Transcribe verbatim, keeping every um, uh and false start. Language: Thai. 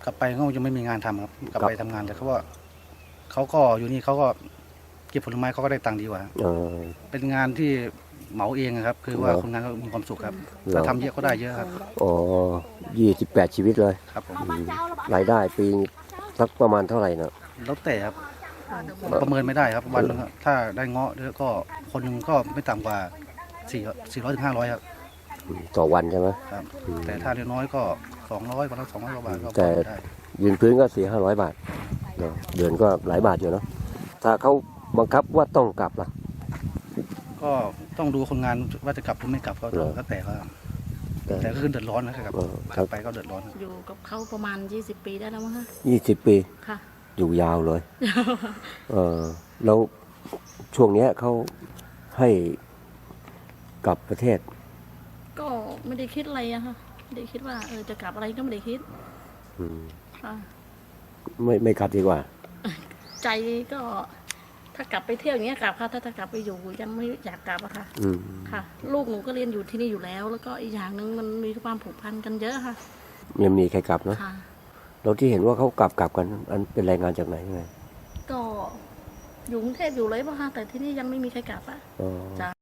กลับไปเขายังไม่มีงานทำครับกลับไปทำงานแต่เขาว่าเขาก็อยู่นี่เขาก็เก็บผลไม้เขาก็ได้ตังค์ดีกว่าเออเป็นงานที่เหมาเองครับ คือว่าเหรอคนงานก็มีความสุขครับเหรอถ้าทำเยอะก็ได้เยอะครับอ๋อยี่สิบแปดชีวิตเลยครับผมอืมรายได้ปีสักประมาณเท่าไหร่เนาะแล้วแต่ครับประเมินไม่ได้ครับวันหนึงครับถ้าได้เงาะแล้วก็คนหนึ่งก็ไม่ต่ำกว่าสี่สี่ร้อยถึงห้าร้อยครับอืมต่อวันใช่ไหมครับอืมแต่ถ้าเล็กน้อยก็สองร้อยวันละสองร้อยกว่าบาทก็พแต่อได้ยืนพื้นก็สี่ห้าร้อยบาทเนาะเดือนก็หลายบาทอยู่เนาะถ้าเขาบังคับว่าต้องกลับล่ะก็ต้องดูคนงานว่าจะกลับหรือไม่กลับก็เหรอแล้วแต่ครับแต่แต่ก็คือเดือดร้อนนะครับเออก ครัลับบไปก็เดือดร้อนอยู่กับเขาประมาณยี่สิบปีได้แล้วมั้งคะยี่สิบปีค่ะอยู่ยาวเลย เออแล้วช่วงเนี้ยเขาให้กลับประเทศก็ไม่ได้คิดอะไรอะค่ะไม่ได้คิดว่าเออจะกลับอะไรก็ไม่ได้คิดอืมค่ะไม่ไม่กลับดีกว่าใจก็ถ้ากลับไปเที่ยวอย่างเงี้ยกลับค่ะถ้าถ้ากลับไปอยู่ยังไม่อยากกลับอะค่ะอืมค่ะ ลูกหนูก็เรียนอยู่ที่นี่อยู่แล้ว แล้วก็อีกอย่างหนึ่งมันมีความผูกพันกันเยอะค่ะยังมีใครกลับเนาะค่ะแล้วที่เห็นว่าเขากลับกลับกันอันเป็นแรงงานจากไหนยังไงก็อยู่กรุงเทพอยู่เลยป่ะคะแต่ที่นี่ยังไม่มีใครกลับอะอ๋อจ้ะ